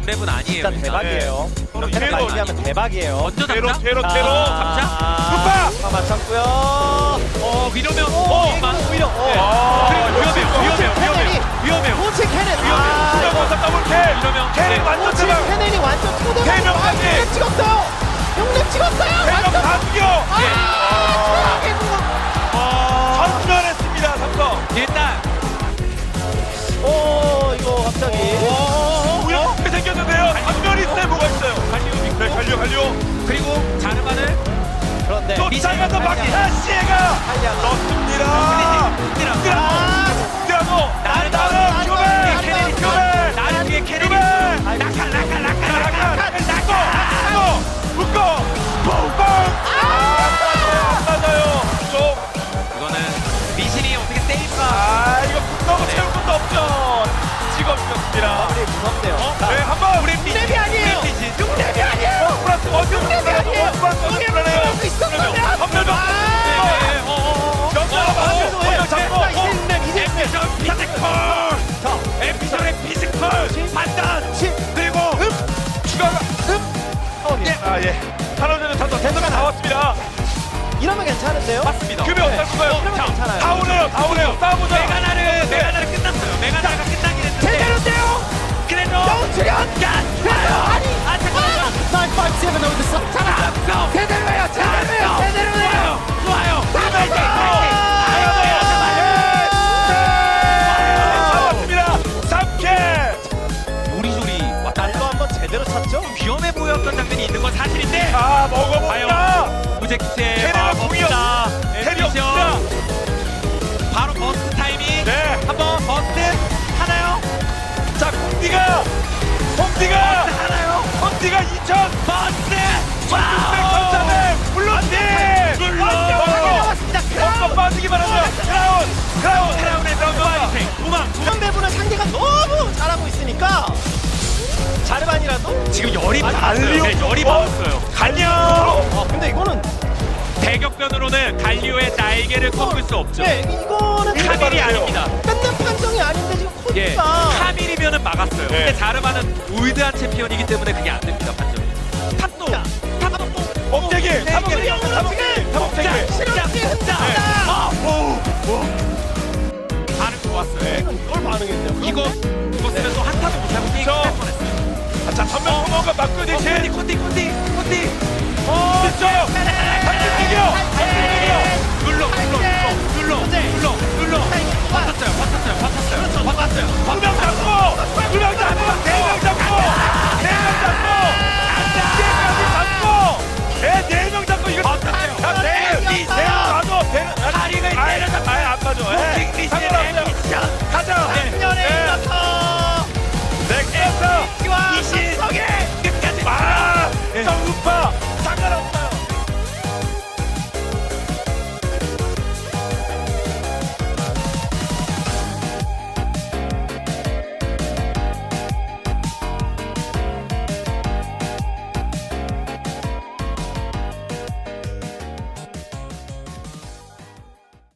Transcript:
6렙은 아니에요. 진짜 대박이에요. 이렇게 테러 많이 하면 대박이에요. 먼저 테러 잡자. 테러 자, 루파! 맞췄고요. 이러면 오히려. 위험해요. 호치 캐넨. 수정원사 더블 캐! 이러면 캐 완전 호치 대박! 캐넨이 완전 토대로. 대명까지! 6렙 찍었어요. 6렙 찍었어요. 대명 완전. 다 죽여! 최악의 구멍. 전멸했습니다 삼성! 일단 이거 갑자기. 우연히 생겼는데요? 전멸이 있어요 뭐가 있어요? 네 갈려 그리고 자르마는 그런데 쫓아가서 마키아시에가 탈리아가. 넣습니다! 아, 뛰어도 나는 교배! 나를 위해 캐릭이 묶어! 뽕뽕! 맞아요! 이거는 미신이 어떻게 세이브가 이거 붙어고 채울 것도 없죠! 찍어주셨습니다. 마무리 무섭네요. 네, 한번! 우리 렙이 아니에요. 6렙이 아니에요. 플러스 어디 렙이 아니에요. 플러스 있었다면. 한별병! 에피솔의 피지컬! 판단! 그리고 추가가 예. 하나전에 탄도 대도가 나왔습니다. 이러면 괜찮은데요? 맞습니다. 규비 어떨 건가요? 이러면 괜찮아요. 다 오네요. 싸워보자. 메가나르 끝났어요. 메가나르가 끝나긴 했는데 제대로인데요? 그래도 영출연! 아니 잠깐만요. 957 over the sun. 잠깐만. 제대로예요. 제대로예요. 좋아요. 싸웠습니다. 3킬! 요리조리 왔다 이거 한번 제대로 찼죠? 위험해 보였던 장면이 있는 건 사실인데 먹어봅니다. 무젝트의 캐리가 공이 캐리 없습니다. 바로 버스트 타이밍 네. 한번 버스트 하나요? 자, 홍디가 하나요? 2000 버스트 1600 물론지 엉덩 빠지기만 하면 크라운의 도망 이런 배분은 상대가 너무 잘하고 있으니까 자르반이라도 지금 열이 갈리오. 받았어요. 네, 열이 받았어요. 갈려. 근데 이거는 대격변으로는 갈리오의 날개를 꺾을 수 없죠. 네 이거는 카밀이 아닙니다. 끝난 판정이 아닌데 지금 예, 코디가 카밀이면은 막았어요. 네. 근데 자르마는 올드한 챔피언이기 때문에 그게 안 됩니다. 판정이. 탑도 억제기 대결이 반응 좋았어요. 이걸 반응했네요. 이거 죽었으면 또 한타도 못하고 게임 저- 끝날 뻔했어요. 자, 전면 성공과 막고 대신 콘디 됐죠. 한팀 이겨. 눌러